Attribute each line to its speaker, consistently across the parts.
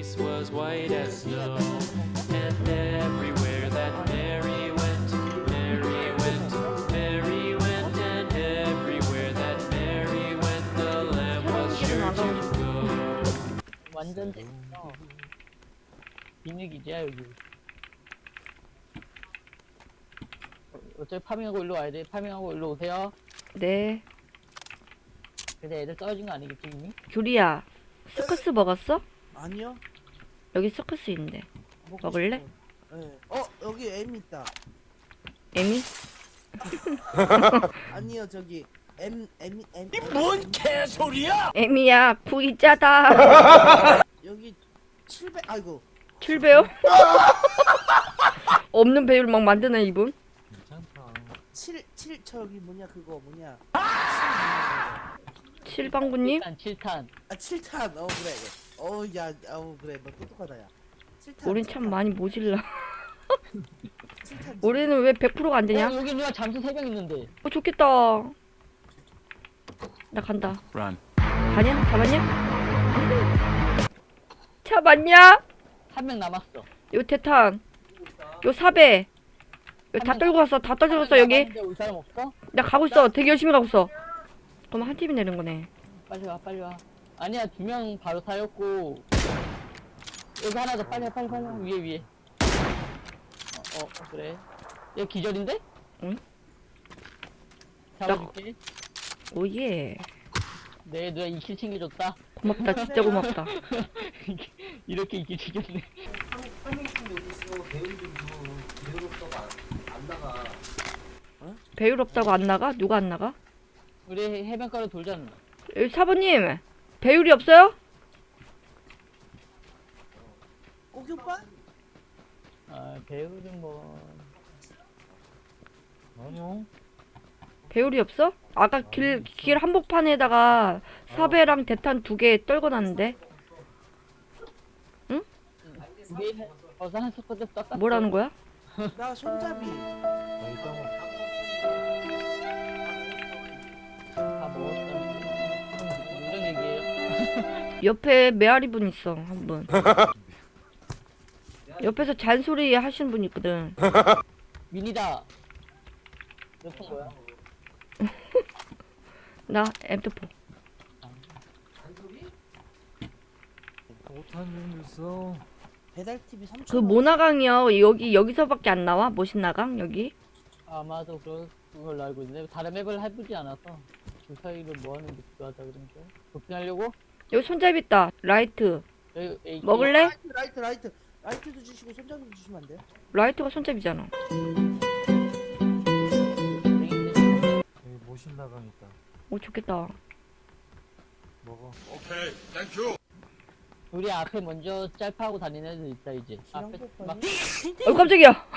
Speaker 1: face was white as snow. And everywhere that Mary went, Mary went, Mary went, and everywhere that Mary went, the lamb was sure to go.
Speaker 2: 완전 재밌어. 비밀기지야 여기. 어차피 파밍하고 일로 와야 돼. 파밍하고 일로 오세요.
Speaker 3: 네.
Speaker 2: 근데 애들 떨어진 거 아니겠지 이미?
Speaker 3: 규리야, 스커스 먹었어?
Speaker 4: 아니요.
Speaker 3: 여기 스커스 있는데.
Speaker 4: 먹고
Speaker 3: 먹을래?
Speaker 4: 싶어요. 네. 여기 M 있다.
Speaker 3: 에미?
Speaker 4: 아니요 저기 M.
Speaker 5: 뭔 개소리야!
Speaker 3: 에미야, 구이 짜다.
Speaker 4: 여기 700. 아이고.
Speaker 3: 7배요? 없는 배율 막 만드네 이분.
Speaker 4: 7 저기 뭐냐 그거 뭐냐.
Speaker 3: 7방구님?
Speaker 2: 7탄.
Speaker 4: 아 7탄. 그래. 그래. 너 똑똑하다 야. 7탄.
Speaker 3: 우린 참 많이 모질라.
Speaker 4: 7탄.
Speaker 3: 우리는 왜 100%가 안 되냐?
Speaker 2: 여기 누가 잠수 3명 있는데.
Speaker 3: 좋겠다. 나 간다.
Speaker 1: Run.
Speaker 3: 가냐? 잡았냐? 잡았냐?
Speaker 2: 1명 남았어.
Speaker 3: 요 대탄. 요 사배. 여기 다 떨고 갔어. 다 떨고 갔어 여기.
Speaker 2: 남았는데 올 사람 없어?
Speaker 3: 나 가고 있어. 되게 열심히 가고 있어. 그럼 한 팀이 내는 거네.
Speaker 2: 빨리 와 빨리 와. 아니야 2명 바로 사였고. 여기 하나 더 빨리 와. 위에. 그래. 얘 기절인데?
Speaker 3: 응?
Speaker 2: 잡아줄게.
Speaker 3: 오예.
Speaker 2: 네 누가 2킬 챙겨줬다.
Speaker 3: 고맙다. 진짜 고맙다.
Speaker 2: 이렇게 2킬 챙겼네.
Speaker 3: 배율 없다고 안 나가? 누가 안 나가?
Speaker 2: 우리 해변가로 돌잖아.
Speaker 3: 여기 사부님 배율이 없어요?
Speaker 4: 오기 오빠?
Speaker 2: 아 배우는 뭐. 아니요.
Speaker 3: 배율이 없어? 아까 길 한복판에다가 사배랑 대탄 2개 떨궈 놨는데.
Speaker 2: 우리 벌써 한 스쿼드 떴다.
Speaker 3: 뭐라는 거야?
Speaker 4: 나 손잡이.
Speaker 2: 다 먹었다. 무슨 얘기예요?
Speaker 3: 옆에 메아리 분 있어 한 분. 옆에서 잔소리 하시는 분 있거든.
Speaker 2: 미니다. 몇 번 거야?
Speaker 3: 나 M4.
Speaker 5: 못하는 일 있어.
Speaker 4: 배달 TV 3천.
Speaker 3: 그 모나강이요. 여기서밖에 안 나와? 모신나강 여기?
Speaker 2: 아마도 그걸 알고 있는데 다른 맵을 해보지 않아서 그 사이를 뭐하는 게 필요하다 그런 거 도핑하려고?
Speaker 3: 여기 손잡이 있다. 라이트.
Speaker 2: 여기
Speaker 3: 먹을래?
Speaker 4: 라이트도 주시고 손잡이도 주시면 안 돼요?
Speaker 3: 라이트가 손잡이잖아.
Speaker 5: 여기 모신나강 있다.
Speaker 3: 오 좋겠다.
Speaker 5: 먹어.
Speaker 2: 우리 앞에 먼저 짤파하고 다니는 애들 있다 이제 앞에 막
Speaker 3: 깜짝이야.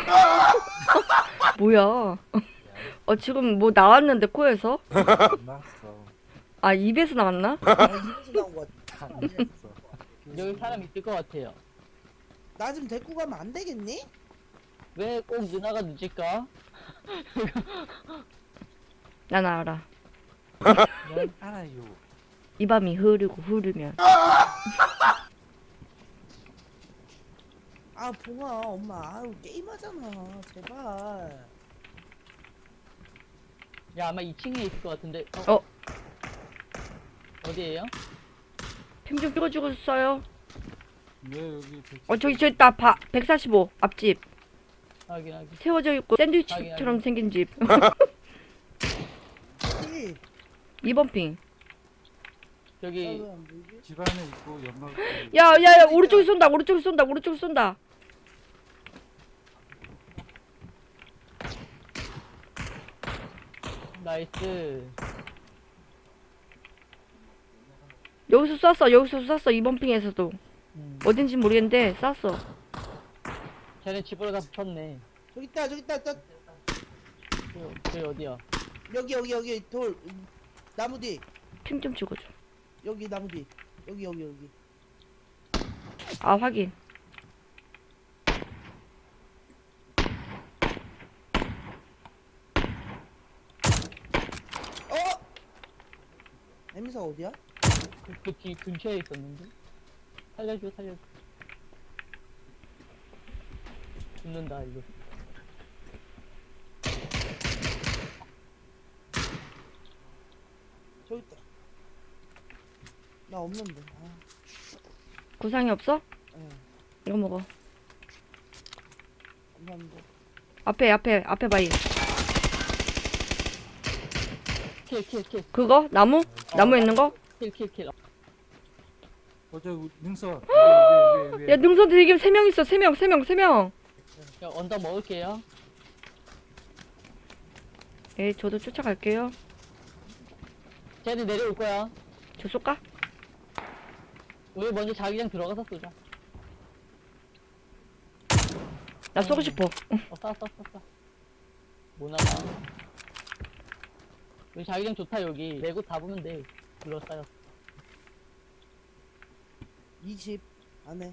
Speaker 3: 뭐야? 지금 뭐 나왔는데 코에서?
Speaker 5: 났어.
Speaker 3: 아 입에서 나왔나?
Speaker 4: 입에서 나온 거 같아.
Speaker 5: 났어.
Speaker 2: 여기 사람 있을 것 같아요.
Speaker 4: 나 좀 데리고 가면 안 되겠니?
Speaker 2: 왜 꼭 누나가 늦을까?
Speaker 3: 난 알아.
Speaker 5: 난 알아요.
Speaker 3: 이 밤이 흐르면
Speaker 4: 아 봉아 엄마 아유 게임하잖아 제발.
Speaker 2: 야 아마 2층에 있을 것 같은데 어디에요?
Speaker 3: 핑 좀 찍어주고 써요.
Speaker 5: 네 여기
Speaker 3: 저기 있다. 145 앞집
Speaker 2: 확인
Speaker 3: 세워져 있고 샌드위치처럼 생긴 집.
Speaker 4: 1.
Speaker 3: 2번 핑.
Speaker 2: 저기
Speaker 4: 왜안 보이지?
Speaker 5: 집 안에 있고 연막.
Speaker 3: 야야야 오른쪽에 쏜다. 오른쪽에 쏜다.
Speaker 2: 나이스.
Speaker 3: 여기서 쐈어 2번 핑에서도. 어딘지 모르겠는데 쐈어.
Speaker 2: 쟤네 집으로 다 붙었네.
Speaker 4: 저기 있다
Speaker 2: 저기 어디야?
Speaker 4: 여기 돌 나무 뒤
Speaker 3: 핑 좀 찍어줘.
Speaker 4: 여기 나무 뒤 여기
Speaker 3: 아 확인.
Speaker 4: 에미사 어디야?
Speaker 2: 그 뒤 근처에 있었는데? 살려줘. 죽는다 이거.
Speaker 4: 저기 있다. 나 없는데. 아,
Speaker 3: 구상이 없어?
Speaker 4: 예.
Speaker 3: 이거 먹어.
Speaker 4: 감사합니다.
Speaker 3: 앞에 바위.
Speaker 2: 킬.
Speaker 3: 그거? 나무? 나무에 있는 거?
Speaker 2: 킬.
Speaker 5: 어저 능선.
Speaker 3: 야, 능선 되게 3명 있어. 3명.
Speaker 2: 야, 언덕 먹을게요.
Speaker 3: 예, 저도 쫓아갈게요.
Speaker 2: 쟤네 내려올 거야.
Speaker 3: 저 쏠까?
Speaker 2: 우리 먼저 자기장 들어가서 쏘자.
Speaker 3: 나 쏘고 싶어.
Speaker 2: 쏴. 못 나가. 여기 자기장 좋다 여기. 내곳 잡으면 돼. 둘러싸여.
Speaker 4: 20 안에.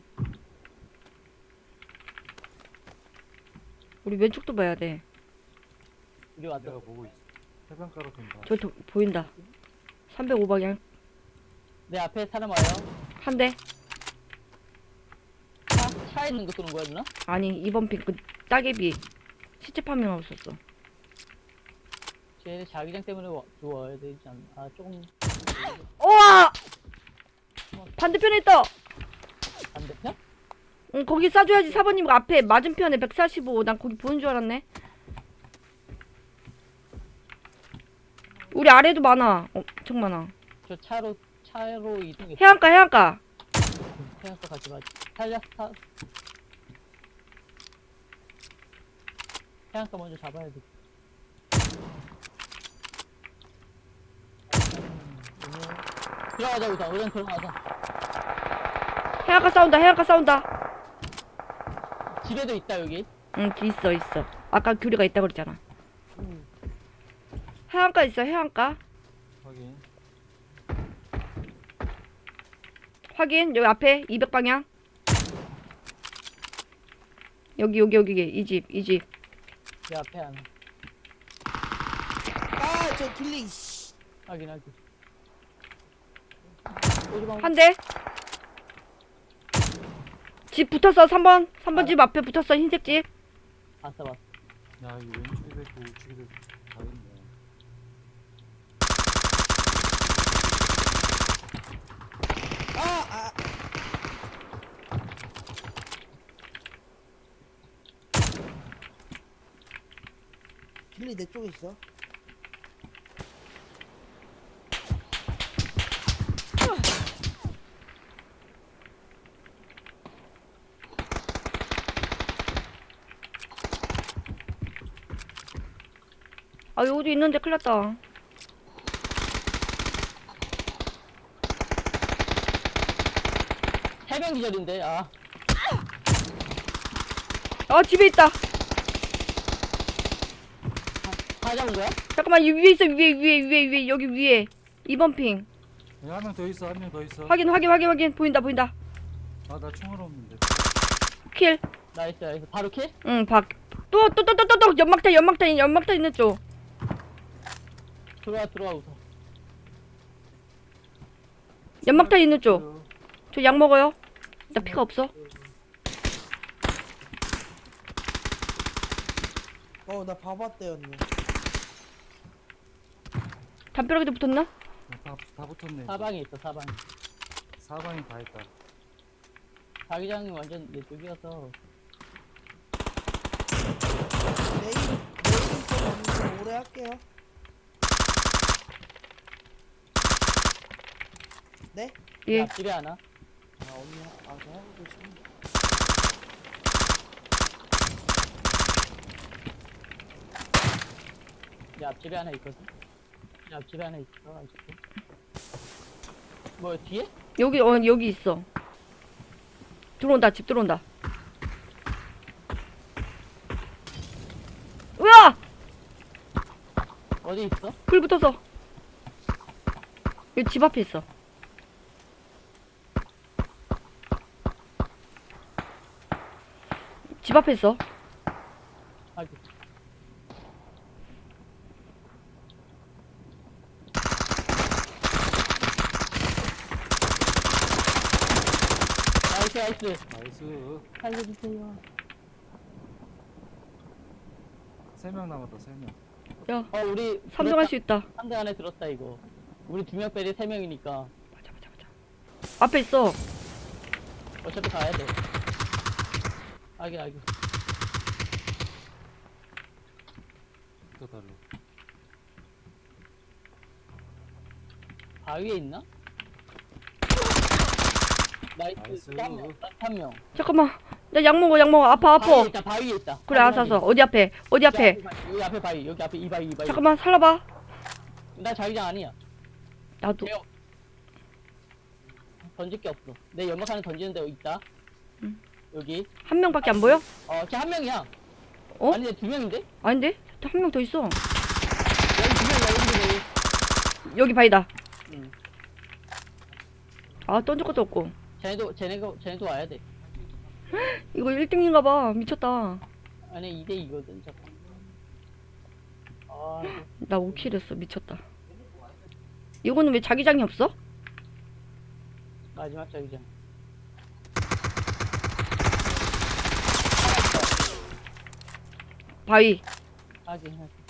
Speaker 3: 우리 왼쪽도 봐야 돼.
Speaker 2: 우리 왔다.
Speaker 5: 내가 보고 있어. 해변가로 돈다.
Speaker 3: 저 보인다. 305방향.
Speaker 2: 내 앞에 사람 와요.
Speaker 3: 한 대.
Speaker 2: 차에 있는 거 쏘는 거야 누나?
Speaker 3: 아니, 2번 핑, 그 따개비. 시체 파밍하고 있었어.
Speaker 2: 쟤네 자기장 때문에 들어와야 되지 않나? 아 조금
Speaker 3: 우와! 반대편에 있다!
Speaker 2: 반대편?
Speaker 3: 응, 거기 쏴줘야지. 4번님 앞에 맞은편에 145. 난 거기 보는 줄 알았네. 우리 아래도 많아. 엄청 많아.
Speaker 2: 저 차로 이동해.
Speaker 3: 해안가.
Speaker 2: 태양서 같이 맞. 살렸어. 해안가 먼저 잡아야 돼. 들어가자 우선. 우선 들어가자.
Speaker 3: 해안가 싸운다.
Speaker 2: 집에도 있다 여기.
Speaker 3: 응, 있어. 아까 규리가 있다 그랬잖아. 해안가 있어, 해안가. 확인. 여기 앞에 200방향. 여기 이 집.
Speaker 2: 내 앞에 하나.
Speaker 4: 아, 저 길리. 씨.
Speaker 2: 확인.
Speaker 3: 한 대. 집 붙었어. 3번 집 앞에 붙었어. 흰색 집.
Speaker 2: 봤어.
Speaker 5: 야, 이 왼쪽에도 있고 우측에도 다 있네.
Speaker 4: 아. 길리 내 쪽에 있어.
Speaker 3: 아, 여기도 있는데 큰일 났다.
Speaker 2: 해병 기절인데. 아
Speaker 3: 집에 있다.
Speaker 2: 다 잡은 거야?
Speaker 3: 잠깐만, 이 위에 있어. 위에. 여기 위에. 2번 핑.
Speaker 5: 한 명 더 있어. 한 명 더 있어.
Speaker 3: 확인. 보인다.
Speaker 5: 아, 나 총알 없는데.
Speaker 3: 킬.
Speaker 2: 나이스. 바로 킬?
Speaker 3: 응, 또 연막탄 있는 쪽.
Speaker 2: 들어와 우선.
Speaker 3: 연막탄 있는 쪽. 저 약 먹어요. 나 피가 없어.
Speaker 4: 나 봐봤대 언니.
Speaker 3: 담벼락에도 붙었나?
Speaker 5: 다 붙었네.
Speaker 2: 사방에 있어.
Speaker 5: 사방이 다 있다.
Speaker 2: 자기장이 완전 내 쪽이어서.
Speaker 4: 내일 좀 오래 할게요. 네?
Speaker 3: 예.
Speaker 2: 앞집에 하나.
Speaker 4: 아 언니 저 하고 계시네.
Speaker 2: 내 앞집에 하나 있거든. 내 앞집에 하나 있어. 아직도. 뭐 뒤에?
Speaker 3: 여기 있어. 집 들어온다. 으아!
Speaker 2: 어디 있어?
Speaker 3: 불 붙었어. 여기 집 앞에 있어. 집 앞에 있어.
Speaker 2: 아이고. 나이스.
Speaker 5: 나이스.
Speaker 2: 살려주세요.
Speaker 5: 3명 남았다 3명.
Speaker 3: 야,
Speaker 2: 우리
Speaker 3: 3등 할 수 있다.
Speaker 2: 3등 안에 들었다 이거. 우리 2명 빼리 3명이니까
Speaker 3: 맞아. 앞에 있어.
Speaker 2: 어차피 가야 돼. 아기.
Speaker 5: 또 달려.
Speaker 2: 바위에 있나?
Speaker 5: 나이스.
Speaker 2: 나이스. 한 명.
Speaker 3: 잠깐만. 나 약 먹어. 아파.
Speaker 2: 바위에 있다.
Speaker 3: 그래, 알았어. 어디 앞에?
Speaker 2: 여기 앞에 바위. 여기 앞에 이 바위.
Speaker 3: 잠깐만, 살려봐.
Speaker 2: 나 자기장 아니야.
Speaker 3: 나도.
Speaker 2: 제가 던질 게 없어. 내 연막 하나 던지는 데 있다.
Speaker 3: 응.
Speaker 2: 여기.
Speaker 3: 한 명밖에 안 보여?
Speaker 2: 걔 한 명이야.
Speaker 3: 어?
Speaker 2: 아니, 2명인데?
Speaker 3: 아닌데? 한 명 더 있어.
Speaker 2: 여기 2명이야, 여기.
Speaker 3: 여기 바위다.
Speaker 2: 응.
Speaker 3: 아, 던질 것도 없고.
Speaker 2: 쟤네도 와야 돼.
Speaker 3: 이거 1등인가 봐. 미쳤다.
Speaker 2: 아니, 2대2거든, 잠깐.
Speaker 3: 나 5킬 했어. 미쳤다. 이거는 왜 자기장이 없어?
Speaker 2: 마지막 자기장.
Speaker 3: 바위.
Speaker 2: 하긴.